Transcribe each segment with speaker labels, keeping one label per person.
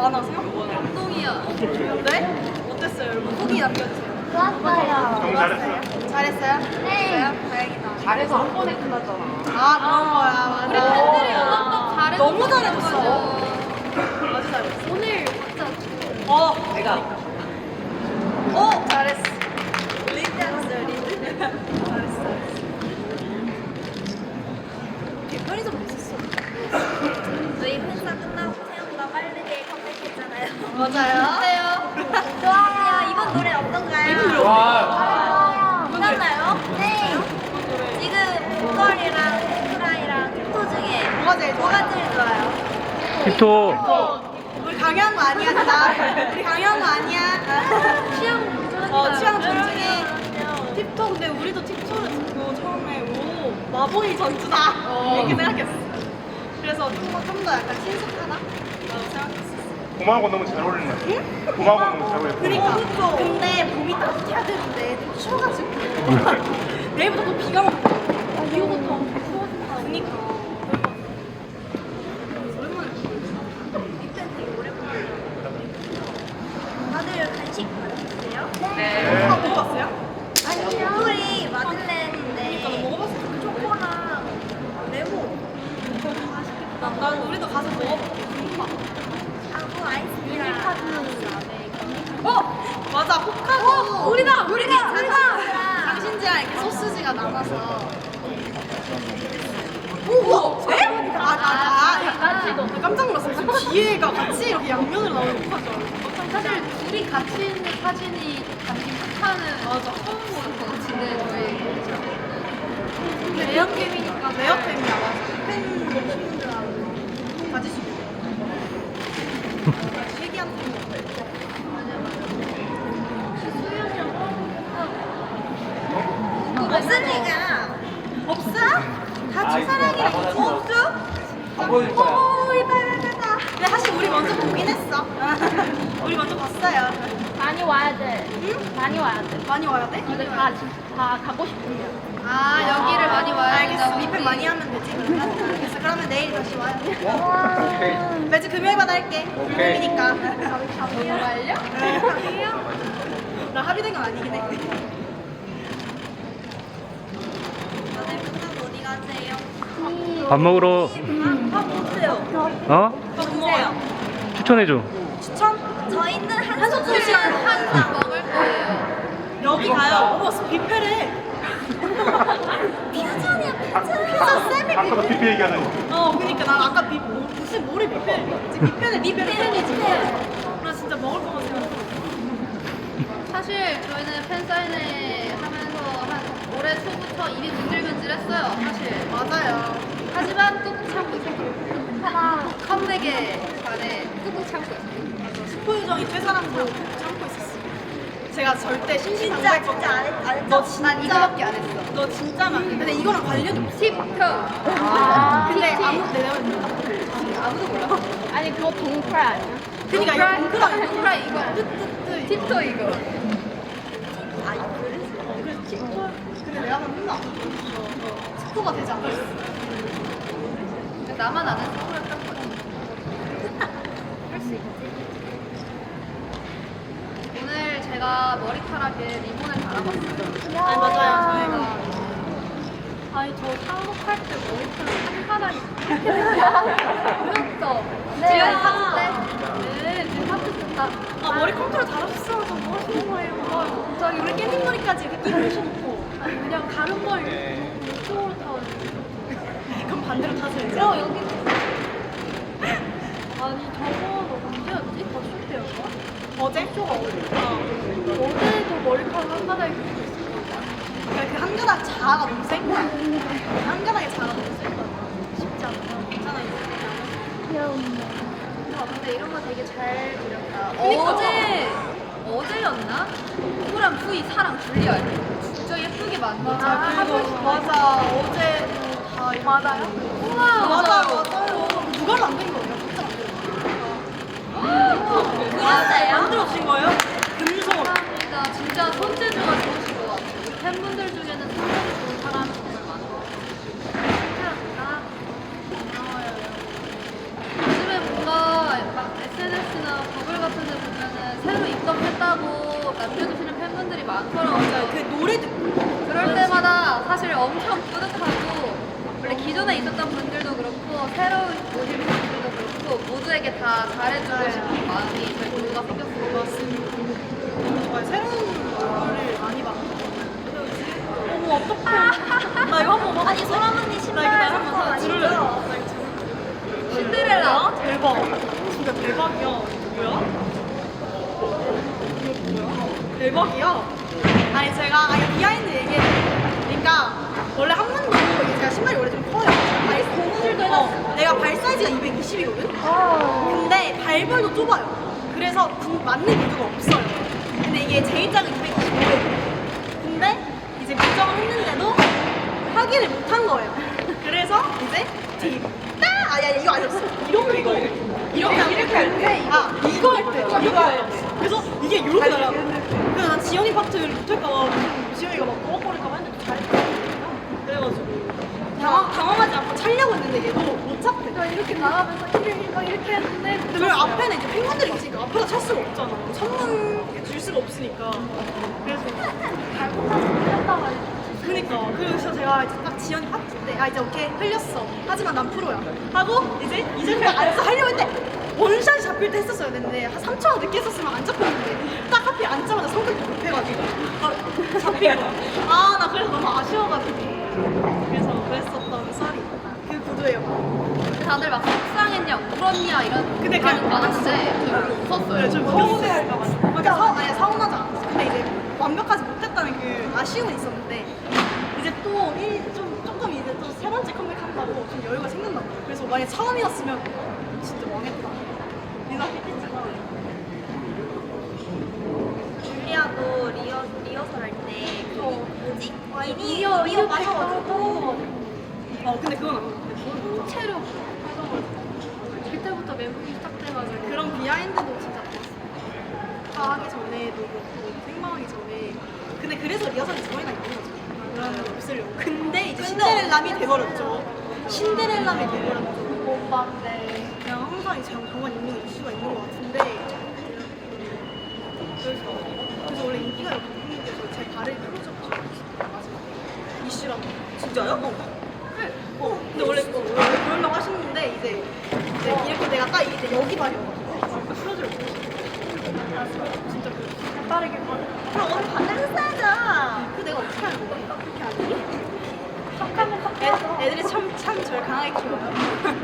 Speaker 1: 많아 생각보다.
Speaker 2: 감동이야.
Speaker 1: 네? 어땠어요 여러분? 후기 남겨주세요.
Speaker 3: 좋았어요.
Speaker 4: 너무 잘했어요.
Speaker 1: 잘했어요?
Speaker 3: 네.
Speaker 1: 다행이다.
Speaker 5: 잘해서 한 번에 끝났잖아.
Speaker 1: 아 그런 거야.
Speaker 2: 우리
Speaker 1: 맞아.
Speaker 2: 팬들이 음악도 잘해서
Speaker 1: 너무 잘해줬어. 아주 잘했어.
Speaker 2: 오늘 진짜
Speaker 1: 내가. 잘했어. 리드 했어 리드. 잘했어. 편의점 있었어.
Speaker 3: 저희 팬사 끝나고 생각보다 빠르게 컴백했잖아요.
Speaker 1: 맞아요.
Speaker 2: 어때요?
Speaker 3: 좋아요. 이번 노래 어떤가요?
Speaker 4: 와,
Speaker 3: 괜찮나요? 네. 지금 보컬이랑 프라이랑 tip토 중에
Speaker 1: 뭐가 제일 좋아?
Speaker 3: 뭐가 제일 좋아요?
Speaker 6: 힙토.
Speaker 1: 우리 강요한 거 아니야, 나. 우리 강요한 거 아니야. 취향 존중해. 팁토 근데 우리도 팁토를 듣고 처음에 오 마보이 전주다 이렇게 생각했어. 그래서 좀 더 약간 신속하다 라고 생각했어.
Speaker 4: 봄하고 너무 잘 어울리는 것 같아. 봄하고 너무 잘 어울려.
Speaker 1: 그러니까 근데 봄이 따뜻해야 되는데 좀 추워가지고 내일부터 또 비가 오고 비오부터 추워진다. 그니까 오랜만에
Speaker 3: 이때 되게 오랜만에. 다들 간식 받으세요?
Speaker 1: 아 먹어봤어요?
Speaker 3: 아니요. 우리 마들렌인데
Speaker 1: 그러니까 너 먹어봤어.
Speaker 3: 초코랑 레몬.
Speaker 1: 난 우리도 가서 먹어볼게. 궁금하다.
Speaker 3: 하고 아이스크림.
Speaker 1: 맞아 호카고
Speaker 3: 우리가
Speaker 1: 당신지랑 이렇게 소스지가 남아서 오! 네? 같이 깜짝 놀랐어. 무슨 기회가 같이 이렇게 양면으로 나오는 호카죠.
Speaker 2: 사실 둘이 같이 있는 사진이 담긴 폭탄은
Speaker 1: 맞아.
Speaker 2: 처음 보는 것 같은데 저희
Speaker 1: 레어템이니까 레어템이야. 맞아. 팬분들하고 가질 수 있는 신기한 템이
Speaker 3: 무슨 얘가
Speaker 1: 없어? 다 첫사랑이랑 없어?
Speaker 4: 안 보여줄 거야.
Speaker 1: 오 이빨빨빨. 근데 사실 우리 먼저 보긴 했어. 우리 먼저 봤어요.
Speaker 7: 많이 와야 돼. 많이 와야 돼.
Speaker 1: 많이 와야 돼?
Speaker 7: 이거 다 가고 싶으면.
Speaker 2: 아 여기를 많이 와야
Speaker 1: 알겠어.
Speaker 2: 된다고.
Speaker 1: 리필 많이 하면 되지. 알겠어. 그러면 내일 다시 와요. 매주 금요일마다 할게. 금요일이니까.
Speaker 2: 정말요?
Speaker 1: 나 합의된 건 아니긴 해.
Speaker 3: 다들 끝나고 어디 가세요?
Speaker 6: 밥 먹으러.
Speaker 3: 밥 못해요.
Speaker 6: 어?
Speaker 1: 또 먹어요.
Speaker 6: 추천해줘.
Speaker 1: 추천?
Speaker 3: 저희는 한
Speaker 1: 한솥
Speaker 3: 소스
Speaker 1: 도시락
Speaker 2: 한상 먹을 거예요.
Speaker 1: 여기 가요. 어머, 뷔페래.
Speaker 3: 피자잖아요.
Speaker 1: 피자 쌤이
Speaker 4: 아까도
Speaker 1: 뷔페.
Speaker 4: PP 얘기하더니.
Speaker 1: 그니까 난 아까 무슨 뭐래 뷔페. 뷔페는 뷔페이지. 나 진짜 먹을 거만 생각해.
Speaker 2: 사실 저희는 팬사인회 하면서 한 올해 초부터 입이 문질문질했어요. 사실.
Speaker 1: 맞아요.
Speaker 2: 하지만 꾹꾹 참고 있었어요. 컴백에 반해 꾹꾹 참고 있었어요.
Speaker 1: 스포유정이 퇴사랑도 참고 있었어. 제가 절대
Speaker 3: 진짜
Speaker 1: 신신당부할
Speaker 3: 진짜 안 했죠?
Speaker 1: 너 진짜
Speaker 2: 난 이거밖에 안 했어.
Speaker 1: 너 진짜만. 근데 이거랑 관련이 없어.
Speaker 2: 팁토.
Speaker 1: 근데
Speaker 2: 팁.
Speaker 1: 아무 내가 아무도 몰라.
Speaker 7: 아니 그거 동프라 아니야?
Speaker 1: 그니까 이거 동그라미
Speaker 2: 동그라 이거.
Speaker 1: 뜨뜨뜨.
Speaker 2: 팁토 이거.
Speaker 1: 아 이거 그래서 틱톡. 근데 내가 한번 혼나. 스포가 되지 않았어.
Speaker 2: 나만 아는 스포였던 거지. 오늘 제가 머리카락에 리본을 달아봤어요.
Speaker 1: 아니 맞아요 저희가.
Speaker 2: 아니 저 창업할 때 머리카락 한 가닥이 이렇게 됐어요. 보였죠? 지금 파트 때? 네, 지금 파트 됐다.
Speaker 1: 머리 컨트롤 잘하셨어. 저뭐 하시는 거예요? 저기 우리 깻잎 머리까지 이렇게 끼고 오셔놓고 아니 그냥 가른 머리 이쪽으로 타가지고. 그럼 반대로 타세요. 여기. 아니 저거 언제였지? 버스 때였나? 어제? 쇼가 어제도 머리카락 한 가닥 이렇게 있었어. 그 한 가닥 자아가 너무 센 거야. 한 가닥의 자아가 너무 센 거야. 쉽지 않아. 괜찮아 이거.
Speaker 2: 근데 이런 거 되게 잘 그렸다.
Speaker 1: 그러니까.
Speaker 2: 어제였나? 누구랑 푸이 사랑 줄리아 진짜 예쁘게 만들었어.
Speaker 1: 맞아. 어제도 다 이렇게. 맞아요? 우와. 맞아요. 누가 만든 거예요? 진짜
Speaker 2: 그러세요?
Speaker 1: 만들어진 거예요? 금속.
Speaker 2: 감사합니다. 진짜 손재주가 좋으신 것 같아요. 우리 팬분들 중에는 손재주 좋은 사람이 정말 많아요. 감사합니다. 고마워요. 요즘에 뭔가 막 SNS나 많더라고요.
Speaker 1: 맞아요. 그 노래 듣고
Speaker 2: 그럴 때마다 사실 엄청 뿌듯하고 원래 기존에 있었던 분들도 그렇고 새로운 오신 분들도 그렇고 모두에게 다 잘해주고 싶은 마음이 저희 모두가 생겼어요.
Speaker 1: 정말 새로운 얼굴을 많이 봤고 어머 어떡해 나 이거 한번 봐.
Speaker 3: 아니 소람 언니 신발
Speaker 1: 나 이거
Speaker 3: 한번
Speaker 1: 한번
Speaker 3: 들을래?
Speaker 1: 들을래?
Speaker 2: 신데렐라.
Speaker 1: 대박 진짜 대박이야 뭐야? 이거 뭐야? 대박이야 아니 제가 비하인드 얘기해요 그러니까 원래 한문도 이게 제가 신발이 원래 좀 커요 고무줄도 내가 발 사이즈가 220이거든? 근데 발벌도 좁아요 그래서 맞는 구두가 없어요 근데 이게 제일 작은 225예요 근데 이제 미정을 했는데도 확인을 못한 거예요 그래서 이제 아야 이거 아니었어 이거 이렇게 할 때 이거 할 때 그래서 이게 이렇게 날아 그래서 난 지연이 파트를 못할까봐 지연이가 막 버벅거릴까봐 했는데 잘 그래가지고 당황하지 않고 차려고 했는데 얘도 못 찾대
Speaker 2: 이렇게 나가면서 이렇게 했는데
Speaker 1: 근데 그 앞에는 이제 팬분들이 있으니까 앞에다 찰 수가 없잖아 선물 줄 수가 없으니까 그래서 그니까 그래서 제가 이제 딱 지연이 파트 때 이제 오케이 흘렸어 하지만 난 프로야 하고 이제 앉아서 하려고 했는데 원샷이 잡힐 때 했었어야 됐는데 한 3초만 늦게 했었으면 안 잡혔는데 딱 하필 앉자마자 성격이 급해가지고 잡힌 거야 나 그래서 너무 아쉬워가지고 그래서 그랬었던 썰이 그 구두예요
Speaker 2: 다들 막 속상했냐 울었냐 이런
Speaker 1: 근데
Speaker 2: 반응
Speaker 1: 그냥
Speaker 2: 많았는데 저희 웃었어요.
Speaker 1: 좀 서운해할까봐. 그러니까 서운하지 않았어. 근데 이제 완벽하지 못했다는 그 아쉬움은 있었는데 이제 또 조금 이제 또 세 번째 컴백한다고 좀 여유가 생겼나 봐요. 그래서 만약 처음이었으면 진짜 망했다. 생각했겠지만
Speaker 3: 줄리아도 리허설 할 때 그 뭐지?
Speaker 1: 이어
Speaker 3: 미어 맞아가지고
Speaker 1: 근데 그건 안 돼.
Speaker 2: 체력 그때부터 멘붕이 시작돼가지고
Speaker 1: 그런 비하인드도 진짜 좋았어요. 다 하기 전에도 그렇고 생방하기 전에 근데 그래서 리허설이 저희가 있는 거죠. 그러면 없으려고. 근데 이제 신데렐라미 돼버렸죠. 신데렐라미 돼버렸죠.
Speaker 2: 오빠인데
Speaker 1: 그냥 항상 이제 정말 있는 이슈가 있는 것 같은데 그래서 원래 인기가 없는 데서 제 발을 풀어줬죠. 마지막에 이슈라고. 진짜요? 근데 원래 그러려고 하시는데 이제 이렇게 내가 딱 이제 여기 발이어가지고 풀어주려고 진짜 그 빠르게
Speaker 3: 그럼 언니 반대로 써야죠.
Speaker 1: 그 내가 어떻게 하는 거야? 그렇게 아니? 애들이 참 저를 강하게 키워요.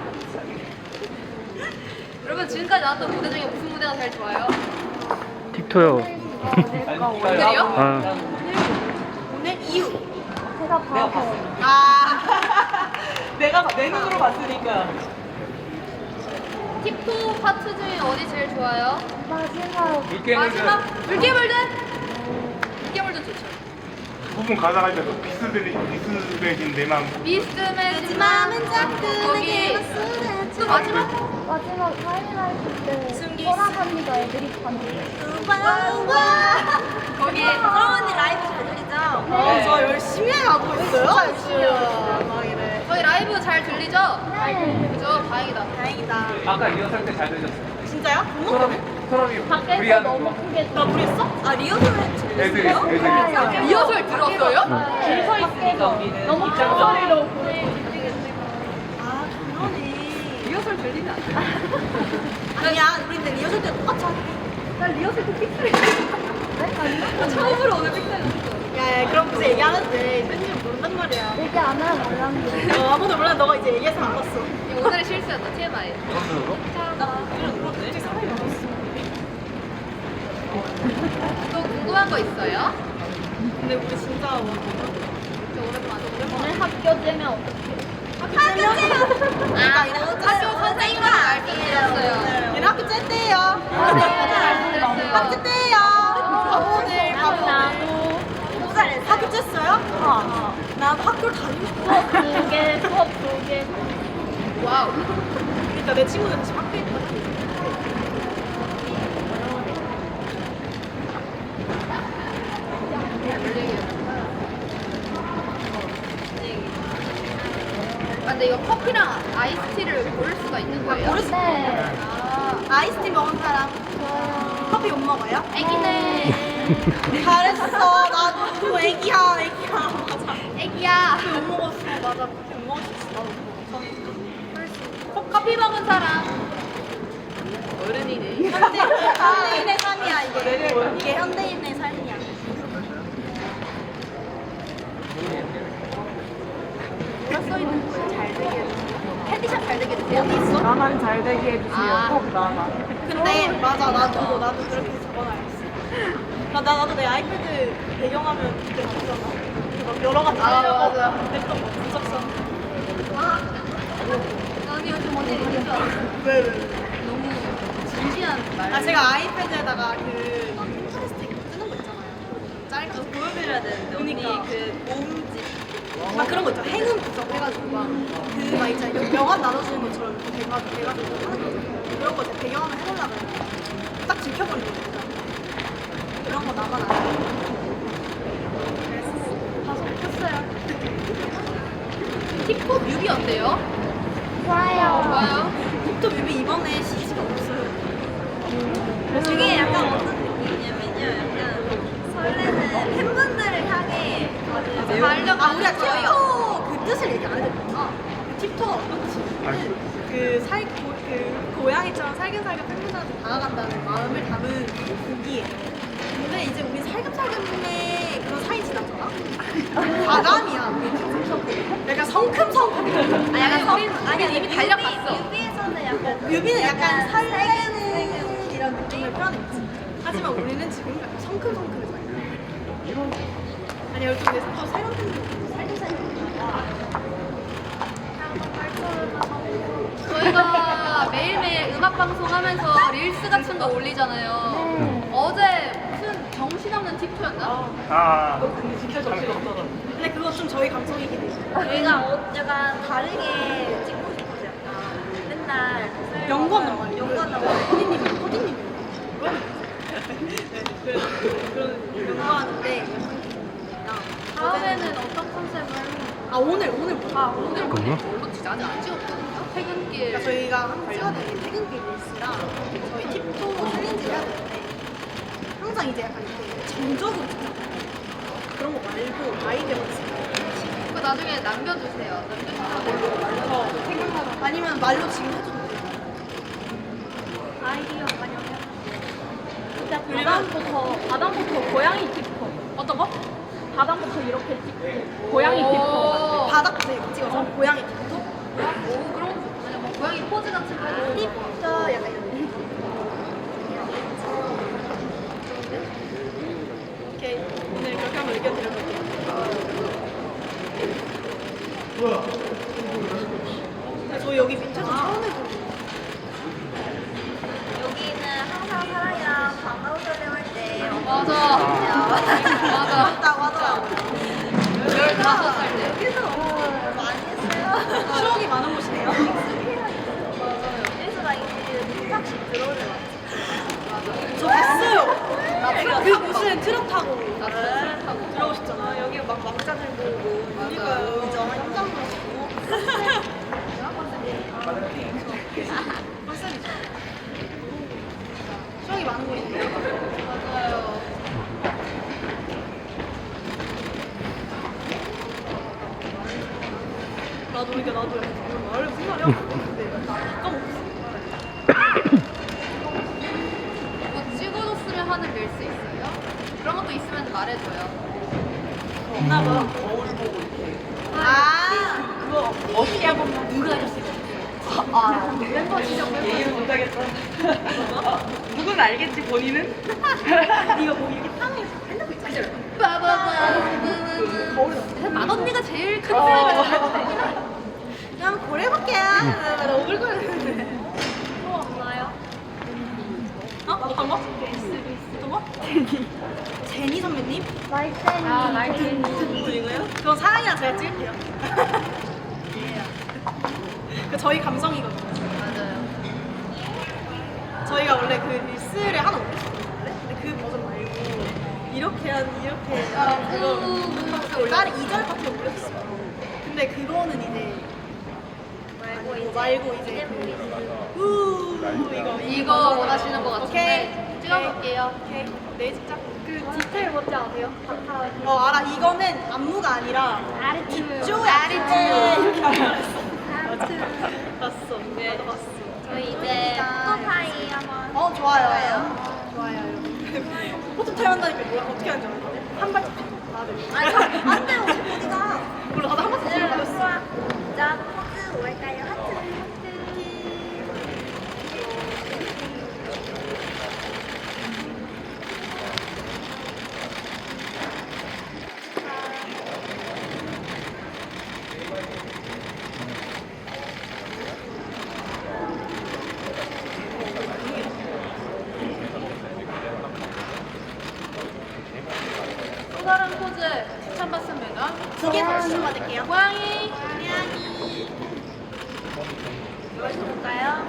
Speaker 2: 여러분 지금까지 나왔던 무대 중에 무슨 무대가 제일 좋아요?
Speaker 6: 틱토요.
Speaker 2: 오늘이요?
Speaker 6: 아,
Speaker 1: 오늘 이유.
Speaker 7: 제가 봐서
Speaker 1: 내가 내 눈으로 봤으니까.
Speaker 2: 틱토 파트 중에 어디 제일 좋아요?
Speaker 7: 마지막
Speaker 2: 마지막 물개물든? 물개물든 좋죠.
Speaker 4: 부분 가사가 있어서 비스듬해진 내 마음.
Speaker 2: 미스매지
Speaker 1: 마음은 자꾸
Speaker 2: 거기
Speaker 1: 내게
Speaker 2: 또 마지막?
Speaker 7: 마지막 하이라이트 때
Speaker 1: 숨기
Speaker 7: 소라 언니가 애드립 하는
Speaker 2: 거기
Speaker 3: 소람 언니 라이브 잘 들리죠?
Speaker 1: 저 열심히 하고 있어요. 막 이래.
Speaker 2: 저희 라이브 잘 들리죠?
Speaker 7: 네.
Speaker 2: 그죠? 다행이다.
Speaker 1: 다행이다.
Speaker 5: 아까 리허설 때 잘 들렸어요.
Speaker 1: 진짜요?
Speaker 5: 서람이
Speaker 7: 밖에서
Speaker 5: 무리하는
Speaker 7: 너무
Speaker 5: 거.
Speaker 7: 크게
Speaker 1: 나 무리했어?
Speaker 3: 리허설을
Speaker 5: 애들이
Speaker 2: 리허설 들었어요?
Speaker 7: 줄서 있으니까 너무 큰 소리로
Speaker 1: 아 그러네.
Speaker 2: 리허설 들리면 안 돼.
Speaker 1: 아니야, 우리 근데 리허설 때 똑같이 하자.
Speaker 2: 난 리허설 때 픽셀. 네? 처음으로 오늘 픽셀 했어.
Speaker 1: 야, 그럼 그제 얘기하는데 팬들은 모른단 말이야.
Speaker 7: 얘기 안 하면 몰랐는데
Speaker 1: 아무도 몰라. 너가 이제 얘기해서 알았어.
Speaker 2: 이거 오늘의 실수였다. TMI.
Speaker 1: 갑자기 사람이 많았어.
Speaker 2: 또 궁금한 거 있어요?
Speaker 1: 근데 우리 진짜
Speaker 2: 저 오랜만에.
Speaker 7: 오늘 학교 째면 어떡해
Speaker 1: 그러니까 얘네
Speaker 2: 학교 선생님과 말씀드렸어요.
Speaker 1: 얘네 학교 쨌대요.
Speaker 2: 말씀드렸어요.
Speaker 1: 학교 째요. 오늘
Speaker 7: 나도
Speaker 1: 너무 잘했어. 학교 쨌어요? 난 학교를 다니고 싶어.
Speaker 7: 수업 2개 수업 2개
Speaker 2: 와우.
Speaker 1: 그러니까 내 친구들 지금 학교에 있다.
Speaker 2: 아, 근데 이거 커피랑 아이스티를 고를 수가 있는 거예요?
Speaker 1: 고를 수
Speaker 7: 네
Speaker 2: 아,
Speaker 1: 아이스티 먹은 사람.
Speaker 7: 저요
Speaker 1: 커피 못 먹어요?
Speaker 2: 애기네.
Speaker 1: 잘했어. 나도 애기야. 맞아.
Speaker 2: 애기야.
Speaker 1: 커피 못 먹었어. 맞아. 커피 못 먹었어. 나도.
Speaker 2: 커피 먹은 사람. 어른이네.
Speaker 1: 현대인의 삶이야 이게. 이게 현대인의 삶이야.
Speaker 2: 뭐라 써있는 거예요? 잘 되게 해주세요. 헤디샷 잘 되게 해주세요. 어디 있어?
Speaker 3: 나만 잘 되게 해주세요.
Speaker 2: 아.
Speaker 3: 꼭 나만.
Speaker 1: 근데 맞아 나도 그렇게 적어놔야겠어. 나도 내 아이패드 배경화면 그때 봤잖아. 막 여러 가지
Speaker 2: 맞아.
Speaker 1: 했던 거 분석선.
Speaker 2: 아니 요즘 언니 이런 줄 알았어.
Speaker 1: 왜?
Speaker 2: 너무 진지한 말.
Speaker 1: 아 제가 아이패드에다가 그막 핀터레스트 이거 뜨는 거 있잖아요. 짧게 보여드려야 되는데 언니 그 모음집 막 그런 거 있잖아. 행운 분석해가지고 막그막 이제 명함 나눠주는 것처럼 이렇게 돼가지고 하는 거죠. 그런 거 제가 배경화면 해보려고 했는데 딱 지켜버린 거죠. 그런 거 나만 안 해.
Speaker 2: 가서 켰어요. 힙합 뮤비 어때요?
Speaker 7: 좋아요.
Speaker 2: 좋아요.
Speaker 1: 틱톡 뮤비 이번에 CG가 없어요.
Speaker 3: 이게 약간 어떤 느낌이냐면요. 약간 설레는 팬분들을 향해
Speaker 2: 달력
Speaker 1: 아 우리가 틱톡 그 뜻을 얘기 안 해줬구나. 틱톡 그 고양이처럼 살금살금 팬분들한테 다가간다는 마음을 담은 곡이에요. 근데 이제 우리 살금살금의 그런 사이 지났잖아. 과감이야. 약간 성큼성큼.
Speaker 2: 아 약간 우린 아니 이미 달려갔어.
Speaker 3: 뮤비에서는 약간
Speaker 1: 뮤비는 약간 설레는 이런 느낌을 표현했지. 하지만 우리는 지금 약간 성큼성큼해져요. 아니 여기 근데 또 새로운 팬들이 살금살금.
Speaker 2: 저희가 매일매일 음악 방송하면서 릴스 같은 거 올리잖아요. 어제 무슨 정신없는 틱톡이었나?
Speaker 4: 아,
Speaker 1: 근데 그거 좀 저희 감성이긴 해.
Speaker 3: 저희가 약간 다르게 찍고 싶어서 약간 맨날
Speaker 1: 연구한단 말이야.
Speaker 3: 연구한단 말이야.
Speaker 1: 코디님. 그런 연구하는데.
Speaker 2: 다음에는 어떤 컨셉을?
Speaker 1: 아 오늘
Speaker 2: 오늘
Speaker 6: 그거요?
Speaker 2: 뭘로 찍지? 아직 안 찍었거든요. 퇴근길.
Speaker 1: 그러니까 저희가 항상 찍어야 되는 게 퇴근길 릴스랑 저희 팁도 챌린지를 해야 되는데 항상 이제 약간 이렇게 정적으로 찍잖아요. 그런 거 말고 아이디어가 있어요.
Speaker 2: 그거 나중에 남겨주세요. 남겨주세요.
Speaker 1: 생각나면 아니면 말로 지금 해줘도 돼요.
Speaker 3: 아이디어 많이
Speaker 7: 일단 바닥부터 고양이 틱톡.
Speaker 1: 어떤 거?
Speaker 7: 바닥부터 이렇게 찍고 고양이 틱톡.
Speaker 1: 바닥부터 이렇게 찍어서 고양이 팁도?
Speaker 2: 오 그런 거 좋네. 뭐 고양이 포즈 같은 거.
Speaker 1: tip도 약간 이런 거. 오케이 오늘 그렇게 한번 의견 드려볼게요. 근데 저희 여기 밑에서 처음 해보는
Speaker 3: 여기는 항상 사랑이랑 반가운 설렘 할때
Speaker 2: 맞아. 맞아.
Speaker 1: 맞다고 하더라고요.
Speaker 2: 15살 때.
Speaker 3: 여기서 많이 했어요.
Speaker 1: 추억이 많은 곳이네요.
Speaker 3: 여기서 막 이제 한 탁씩 들어오는
Speaker 1: 저 봤어요. 그 무슨 트럭 타고
Speaker 2: 나 타고.
Speaker 1: 들어오셨잖아요. 여기 막 막장을 보고. 그러니까요. 그죠. 현장 보시고. 컨셉이죠. 추억이 많은 곳이네요.
Speaker 2: 맞아요.
Speaker 1: 나도 이게 나도 약간 말을 무슨 말이야? 근데 까먹었어.
Speaker 2: 뭐 찍어줬으면 하는 릴스 있어요? 그런 것도 있으면 말해줘요.
Speaker 1: 없나 봐. 아 그거 어떻게 한번 누가 하셨어요? 멤버 지정 멤버. 이해를 못하겠어. 누군 알겠지 본인은? 이거 뭐 이렇게 탕에 핸드폰 있잖아.
Speaker 2: 빠바바. 맏언니가 제일 큰 사이가
Speaker 1: 그냥 고래볼게요. 나 오글거리는데.
Speaker 3: 또 없나요?
Speaker 1: 어? 어떤 거? 어떤 거? 제니 선배님?
Speaker 7: 날쌘이.
Speaker 2: 아, 날쌘이.
Speaker 1: 이거요? 그건 사랑이랑 제가 찍을게요. 그 저희 감성이거든요.
Speaker 2: 맞아요.
Speaker 1: 저희가 원래 그 릴스를 하나 올렸었거든요. 근데 그 버전 말고 이렇게 그거 다른 2절밖에 올렸어요. 근데 그거는 이제 말고 이제 이거
Speaker 2: 이거 원하시는 것 같은데.
Speaker 1: 오케이.
Speaker 2: 찍어볼게요.
Speaker 1: 오케이. 네, 진짜.
Speaker 7: 그 디테일 뭔지 아세요?
Speaker 1: 알아. 이거는 안무가 아니라
Speaker 7: 아리트.
Speaker 1: 쪼 아리트 이렇게 알았어. 봤어.
Speaker 2: 네.
Speaker 1: 나도 봤어.
Speaker 3: 저희 이제 포토타임 한번
Speaker 1: 좋아요. 좋아요, 여러분. 포토 타임 한다니까 뭐야? 어떻게 하는지 알았는데? 한 발짝 나를.
Speaker 3: 안 돼요 어디가
Speaker 1: 몰라, 나도 한 발짝 들어갔어.
Speaker 3: 자 포즈 뭘까요? 하트
Speaker 2: 또 다른 포즈 추천받습니다.
Speaker 1: 두개 더 추천받을게요.
Speaker 2: 고양이.
Speaker 3: 이거 볼까요?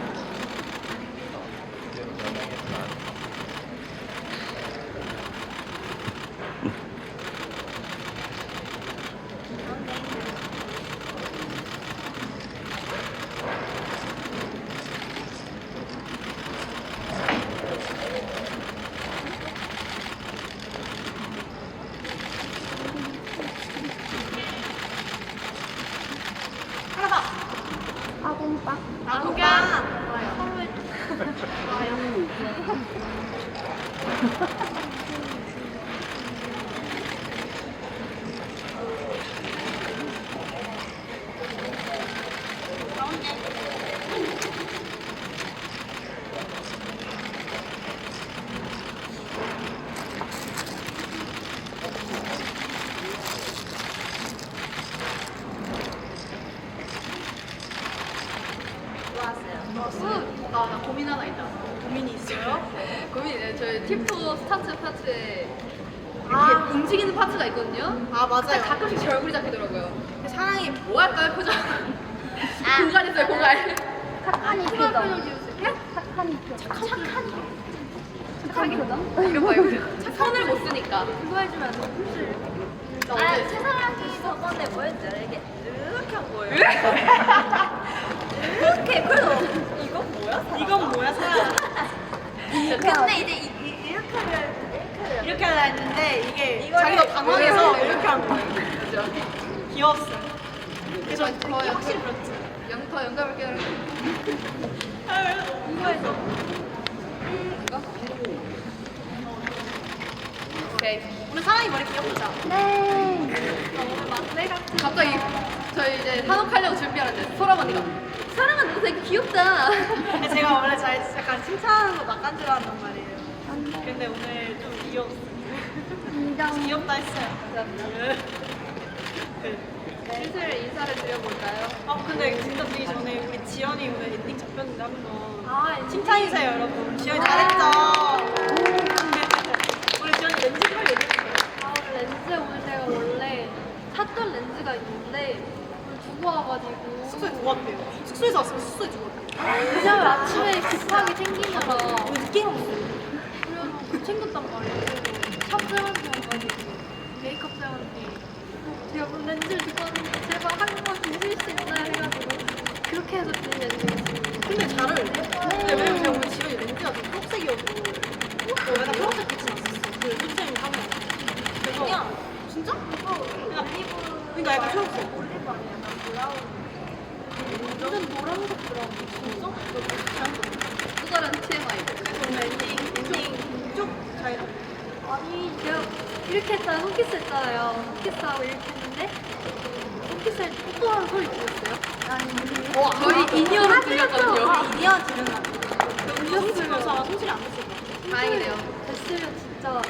Speaker 1: 하나 더.
Speaker 7: 아공빵.
Speaker 1: 나무가.
Speaker 2: 나 고민 하나 있다.
Speaker 1: 고민이 있어요?
Speaker 2: 고민이네. 저희 팀포 스타트 파트에 이렇게 움직이는 파트가 있거든요.
Speaker 1: 아,
Speaker 2: 근데
Speaker 1: 맞아요.
Speaker 2: 가끔씩 제 얼굴이 잡히더라고요.
Speaker 1: 사랑이
Speaker 2: 뭐 할까요, 표정? 공간에서요, 공간.
Speaker 7: 착한이
Speaker 2: 표정
Speaker 7: 표정.
Speaker 2: 지어주세요.
Speaker 7: 착한이 표정.
Speaker 2: 착하게. 이거 봐요. 손을 못 쓰니까.
Speaker 7: 그거 해주면 안 돼.
Speaker 3: 아 최사랑이 저번에 뭐였지? 이렇게 한 거예요 이렇게 그래서 이건 뭐야?
Speaker 1: 이건 뭐야, 사랑?
Speaker 3: 근데 이제 이렇게 하면
Speaker 1: 이렇게 하려 했는데 이게
Speaker 3: 이거를-
Speaker 1: 자기가 당황해서
Speaker 2: 이거를-
Speaker 1: 이렇게 한 거예요.
Speaker 2: 그죠?
Speaker 1: 귀여웠어요. 그래서
Speaker 2: 더
Speaker 1: 되게 확실히 그렇지.
Speaker 2: 더 연결할게요.
Speaker 1: 이거에서
Speaker 2: 이거? 오케이.
Speaker 1: 오늘 사랑이 머리 귀엽죠?
Speaker 2: 갑자기 저희 이제 한옥하려고 준비하는데 소람 언니가 사랑아 너 되게 귀엽다.
Speaker 1: 근데 제가 원래 잘 약간 칭찬하는 거 낚안 좋아한단 말이에요. 근데 오늘 좀 귀여웠어요. 귀엽다 했어요. 네.
Speaker 2: 슬슬 인사를 드려볼까요?
Speaker 1: 근데 진짜 되기 전에 우리 지연이 오늘 엔딩 잡혔는데 한번
Speaker 3: 아
Speaker 1: 칭찬해주세요, 여러분. 지연이 잘했죠? 우리 지연이 렌즈 빨리 얘기해주세요.
Speaker 7: 렌즈 오늘 제가 원래 샀던 렌즈가 있는데 오늘 두고 와가지고
Speaker 1: 숙소에 두고 왔대요. 숙소에서 왔으면 숙소에 두고 왔대요.
Speaker 7: 왜냐면 아침에 급하게 챙기느라
Speaker 1: 오늘 늦게 일어났어요.
Speaker 7: 그래서 챙겼단 말이에요. 그래서 샵 쌤한테 와가지고 메이크업 쌤한테 제가 오늘 렌즈를 두고 왔는데 제발 한 번만 주실 수 있나요? 해가지고 그렇게 해서 준 렌즈였어요.
Speaker 1: 근데 잘 어울려. 근데 왜냐면 제가 오늘 지연이 렌즈가 좀 초록색이어서 약간 초록색 빛이 났었어. 그 선생님 하면. 그래서
Speaker 3: 그냥
Speaker 1: 진짜? 그러니까 약간 초록색.
Speaker 3: 올리브 아니야? 나 브라운
Speaker 7: 완전 노란색 브라운.
Speaker 1: 진짜?
Speaker 2: 또 다른 TMI.
Speaker 1: 오늘 엔딩 쭉잘
Speaker 7: 아니 제가 이렇게 했잖아요. 손키스 했잖아요. 손키스하고 이렇게 했는데 손키스 할 때 뽀뽀하는 소리 들렸어요? 아니
Speaker 2: 저희 인이어로 들렸거든요.
Speaker 1: 이디야 들렸나? 음료 들면서 아마 손실이 안 됐을 거야.
Speaker 2: 다행이네요.
Speaker 7: 됐으면 진짜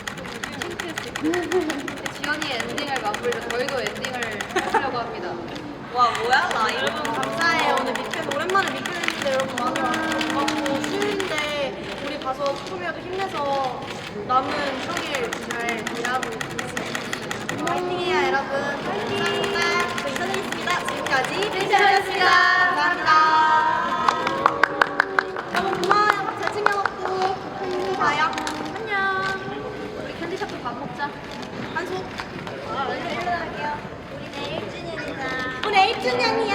Speaker 7: 창피했을
Speaker 2: 지연이의 엔딩을 마무리로 저희도 엔딩을 하려고 합니다.
Speaker 3: 와 뭐야 나 이거
Speaker 1: 여러분 감사해요. 오늘 미팬 오랜만에 미팬 했는데 여러분 많이 와주셔서 고맙고 쉬운데 우리 가서 조금이라도 힘내서 남은 휴일 잘 일하고 있습니다. 파이팅해요 여러분. 감사합니다. 저 인사드리겠습니다. 지금까지 펜션이었습니다. 감사합니다. 여러분 고마워요. 밥 잘 챙겨먹고 또 봐요. 안녕.
Speaker 2: 우리 캔디샵도 밥 먹자.
Speaker 1: 한수.
Speaker 3: 일어날게요 우리 내일 1주년이다
Speaker 1: 오늘 1주년이야.